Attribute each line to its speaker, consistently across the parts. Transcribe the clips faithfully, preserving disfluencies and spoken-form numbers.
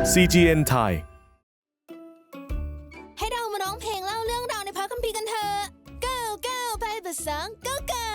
Speaker 1: ซี จี เอ็น ไทย
Speaker 2: ให้เรามาร้องเพลงเล่าเรื่องราวในพระคัมภีร์กันเถอะ go go ไปเบอร์สอง go go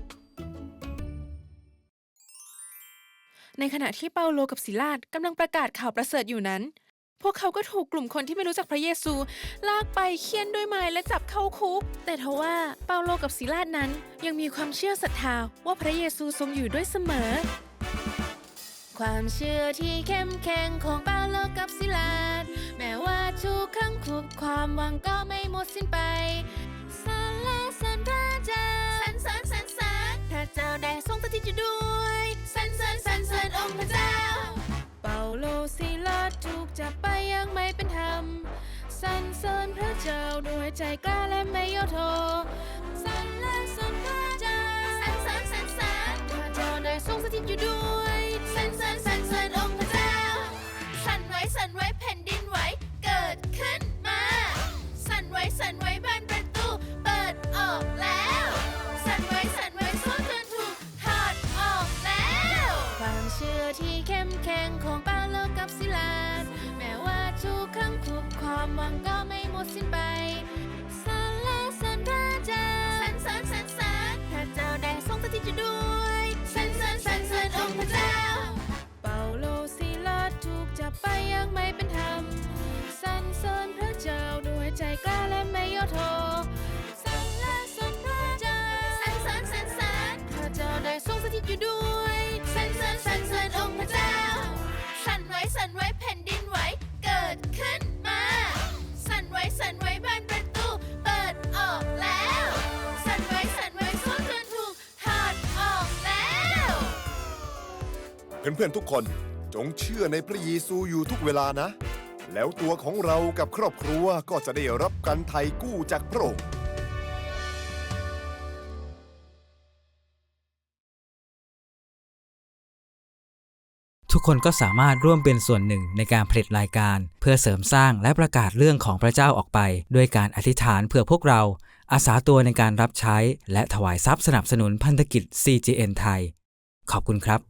Speaker 3: ในขณะที่เปาโลกับศิลาสกำลังประกาศข่าวประเสริฐอยู่นั้นพวกเขาก็ถูกกลุ่มคนที่ไม่รู้จักพระเยซูลากไปเฆี่ยนด้วยไม้และจับเข้าคุกแต่ทว่าเปาโลกับศิลาสนั้นยังมีความเชื่อศรัทธาว่าพระเยซูทรงอยู่ด้วยเสมอความเชื่อที่เข้มแข็งของเปาโลกับศิลาสแม้ว่าถูกขังคุกความหวังก็ไม่หมดสิ้นไปสรรเสริญพระเจ้าสรรเสริญสรรเสริญพระเจ้าได้ทรงสถิตอยู่ด้วยสรรเสริญสรรเสริญองค์พระเจ้าเปาโลศิลาสถูกจับไปยังไม่เป็นธรรมสรรเสริญพระเจ้าด้วยใจกล้าและไม่ย่อท้อสรรเสริญพระเจ้าสรรเสริญสรรเสริญพระเจ้าได้ทรงสถิตอยู่ด้วยสรรเสริญสรรเสริญองค์พระเจ้าสั่นไหวสั่นไหวแผ่นดินไหวเกิดขึ้นมาสั่นไหวสั่นไหวบานประตูเปิดออกแล้วสั่นไหวสั่นไหวโซ่เตือนถูกถอดออกแล้วความเชื่อที่เข้มแข็งของเปาโลกับศิลาสแม้ว่าถูกขังคุกความหวังก็ไม่หมดสิ้นไปสรรเสริญพระเจ้าสรรเสริญสรรเสริญพระเจ้าได้ทรงสถิตอยู่ด้วยสรรเสริญสรรเสริญองค์พระเจ้าเปาโลศิลาสถูกจับไปยังไม่เป็นธรรมสรรเสริญพระเจ้าด้วยใจกล้าและไม่ย่อท้อสรรเสริญพระเจ้าสรรเสริญสรรเสริญพระเจ้าได้ทรงสถิตอยู่ด้วยสรรเสริญสรรเสริญองค์พระเจ้าสั่นไหวสั่นไหวแผ่นดินไหวเกิดขึ้นมาสั่นไหวสั่นไหวบานประตูเปิดออกแล้วสั่นไหวสั่นไหวโซ่เตือนถูกถอดออกแล้ว
Speaker 4: เพื่อนๆทุกคนจงเชื่อในพระเยซูอยู่ทุกเวลานะ แล้วตัวของเรากับครอบครัวก็จะได้รับการไถ่กู้จากพระองค์
Speaker 5: ทุกคนก็สามารถร่วมเป็นส่วนหนึ่งในการผลิตรายการเพื่อเสริมสร้างและประกาศเรื่องของพระเจ้าออกไปด้วยการอธิษฐานเพื่อพวกเราอาสาตัวในการรับใช้และถวายทรัพย์สนับสนุนพันธกิจ ซี จี เอ็น ไทยขอบคุณครับ